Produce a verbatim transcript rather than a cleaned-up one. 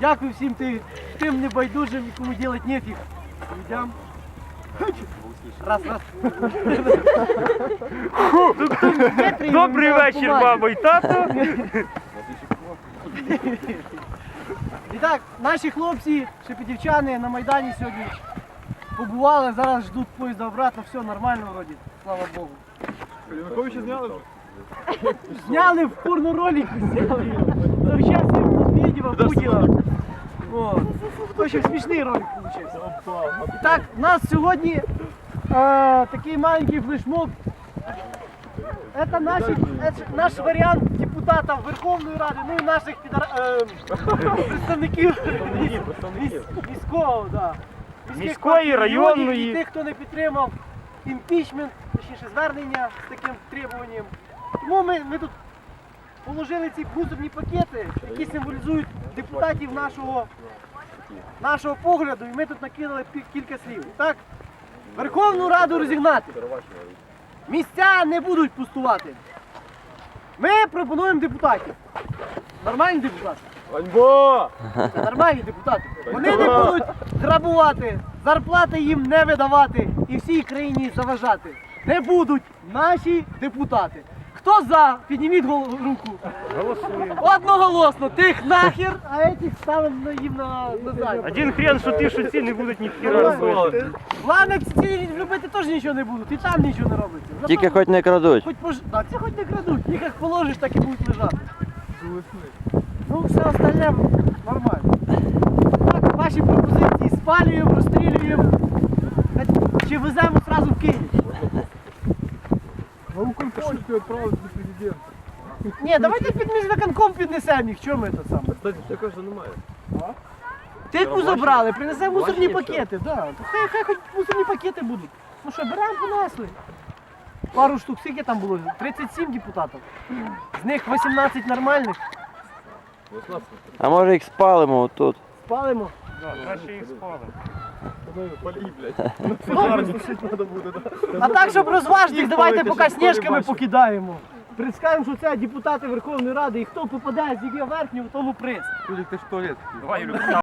Дякую всім тим, тим небайдужим, кому делать нефіг. Йдем. Раз, раз. Добрий вечір, мамо і тато. І так, наші хлопці, шепетівчани на Майдані сьогодні побували, зараз ждуть поїзда обратно, все нормально вроді, слава Богу. Януковича зняли? Зняли в порноролик, зняли. То зараз Медведєва, Путіна. О, то ще смішний ролик вийшов. І так, у нас сьогодні е, такий маленький флешмоб. Это, наші, это наш варіант депутата Верховної Ради, ну і наших підар... е, представників міс... міського, да. Міської, районної. І тих, хто не підтримав імпічмент, точніше звернення з таким требуванням. Тому ми, ми тут положили ці мусорні пакети, які символізують депутатів нашого, нашого погляду, і ми тут накинули кілька слів. І так, Верховну Раду розігнати. Місця не будуть пустувати. Ми пропонуємо депутатів. Нормальні депутати. Ганьба! Це нормальні депутати. Вони не будуть грабувати, зарплати їм не видавати і всій країні заважати. Не будуть наші депутати. Хто за? Підніміть гол- руку. Голосуємо. Одноголосно. Тих нахер, а этих ставимо їм на, на задню. Один хрен, що ті, що ці не будуть ні хіра робити. Ладно, ці любити теж нічого не будуть, і там нічого не робиться. Зато Тільки хоч не крадуть. Хоч пож... да, це хоч не крадуть, їх як положиш, так і будуть лежати. Ну, все остальне нормально. Так, ваші пропозиції спалюємо, розстрілюємо. Чи веземо одразу в Київ? На Укрпошту відправили до президента. Ні, давайте під міськвиконком піднесемо їх, чого ми тут саме? Кстати, це каже, немає. Тику забрали, принесемо мусорні пакети, да. То хай, хай хоч мусорні пакети будуть. Ну що, беремо, понесли. Пару штук, скільки там було? тридцять сім депутатів. З них вісімнадцять нормальних. А може їх спалимо отут? Спалимо. Краще їх спалимо. Палі, блядь. Пожар тушити треба буде, да? А так, щоб розважити, Їх давайте палити, поки щоб сніжками бачили. покидаємо. Представимо, що це депутати Верховної Ради, і хто попадає з її верхнього, тому приз. Толік, ти ж в туалет. Давай, Юлю.